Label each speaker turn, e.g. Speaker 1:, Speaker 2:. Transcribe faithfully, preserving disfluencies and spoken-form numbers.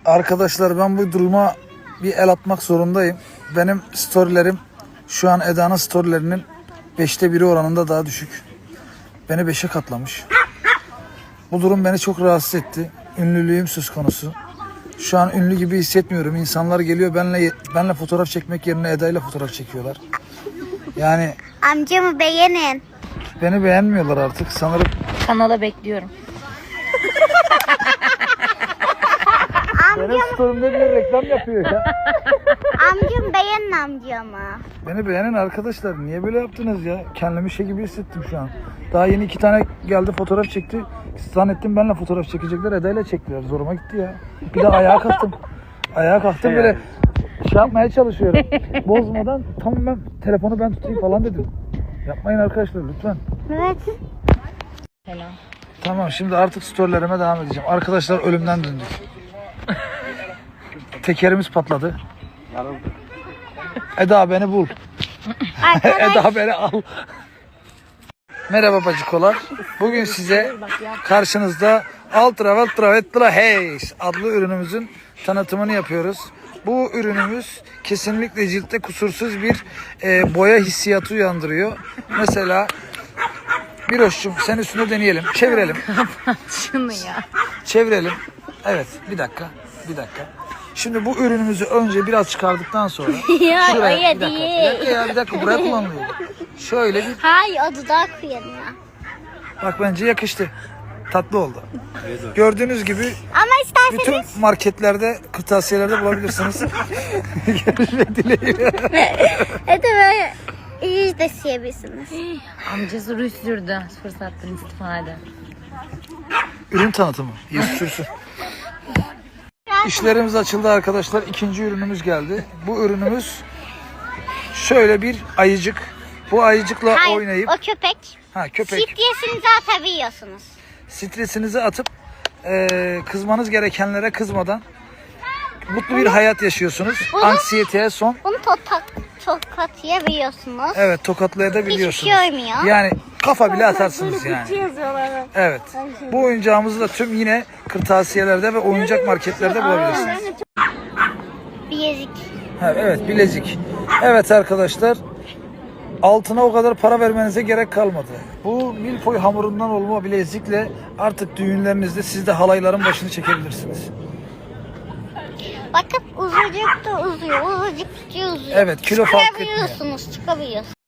Speaker 1: Arkadaşlar ben bu duruma bir el atmak zorundayım. Benim storylerim şu an Eda'nın storylerinin beşte biri oranında daha düşük. Beni beşe katlamış. Bu durum beni çok rahatsız etti. Ünlülüğüm söz konusu. Şu an ünlü gibi hissetmiyorum. İnsanlar geliyor benle benle fotoğraf çekmek yerine Eda ile fotoğraf çekiyorlar. Yani
Speaker 2: Amcamı beğenin.
Speaker 1: beni beğenmiyorlar artık sanırım.
Speaker 3: Kanala bekliyorum.
Speaker 1: Benim story'imde bir reklam yapıyor ya.
Speaker 2: Amcam beğenin amcamı.
Speaker 1: Beni beğenin arkadaşlar. Niye böyle yaptınız ya? Kendimi şey gibi hissettim şu an. Daha yeni iki tane geldi fotoğraf çekti. Zannettim benimle fotoğraf çekecekler. Eda ile çektiler. Zoruma gitti ya. Bir de ayağa kalktım. Ayağa kalktım böyle şey yapmaya çalışıyorum. Bozmadan tamam ben telefonu ben tutayım falan dedim. Yapmayın arkadaşlar lütfen.
Speaker 2: Evet.
Speaker 3: Selam.
Speaker 1: Tamam şimdi artık storylerime devam edeceğim. Arkadaşlar ölümden döndük. Tekerimiz patladı. Eda beni bul. Eda beni al. Merhaba bacıkolar. Bugün size karşınızda Ultra Ultra Ultra Haze adlı ürünümüzün tanıtımını yapıyoruz. Bu ürünümüz kesinlikle ciltte kusursuz bir e, boya hissiyatı uyandırıyor. Mesela bir hoşçum sen üstüne deneyelim. Çevirelim.
Speaker 3: Şunu ya.
Speaker 1: Çevirelim. Evet bir dakika. Bir dakika. Şimdi bu ürünümüzü önce biraz çıkardıktan sonra
Speaker 2: Ya,
Speaker 1: şuraya
Speaker 2: öyle
Speaker 1: bir dakika,
Speaker 2: değil.
Speaker 1: bir dakika ya bir dakika buraya kullanılıyor. Şöyle bir
Speaker 2: Hayır o dudak yanına.
Speaker 1: bak bence yakıştı. Tatlı oldu. Gördüğünüz gibi
Speaker 2: Ama isterseniz
Speaker 1: bütün marketlerde, kırtasiyelerde bulabilirsiniz. Görüşmek dileğiyle.
Speaker 2: evet böyle yüz de siyebilirsiniz.
Speaker 3: Amcası ruj sürdü. Fırsattan istifade.
Speaker 1: Ürün tanıtımı. Yes, sürsün. İşlerimiz açıldı arkadaşlar. İkinci ürünümüz geldi. Bu ürünümüz şöyle bir ayıcık. Bu ayıcıkla
Speaker 2: Hayır
Speaker 1: oynayıp
Speaker 2: o köpek.
Speaker 1: ha köpek
Speaker 2: Stresinizi atabiliyorsunuz.
Speaker 1: stresinizi atıp e, kızmanız gerekenlere kızmadan mutlu bir hayat yaşıyorsunuz.
Speaker 2: Bunu-
Speaker 1: Anksiyeteye son.
Speaker 2: Bunu tokat, tokatlayabiliyorsunuz.
Speaker 1: Evet tokatlayabiliyorsunuz.
Speaker 2: Hiçbir şey olmuyor.
Speaker 1: Yani kafa bile atarsınız yani. Evet. Bu oyuncağımızı da tüm yine kırtasiyelerde ve oyuncak marketlerde bulabilirsiniz.
Speaker 2: Bilezik.
Speaker 1: Ha, evet bilezik. Evet arkadaşlar. Altına o kadar para vermenize gerek kalmadı. Bu milfoy hamurundan olma bilezikle artık düğünlerinizde siz de halayların başını çekebilirsiniz.
Speaker 2: Bakın uzucuk da uzuyor, uzucuk da uzuyor.
Speaker 1: Evet, kilo fark etmiyor.
Speaker 2: Çıkabiliyorsunuz, çıkabiliyorsunuz.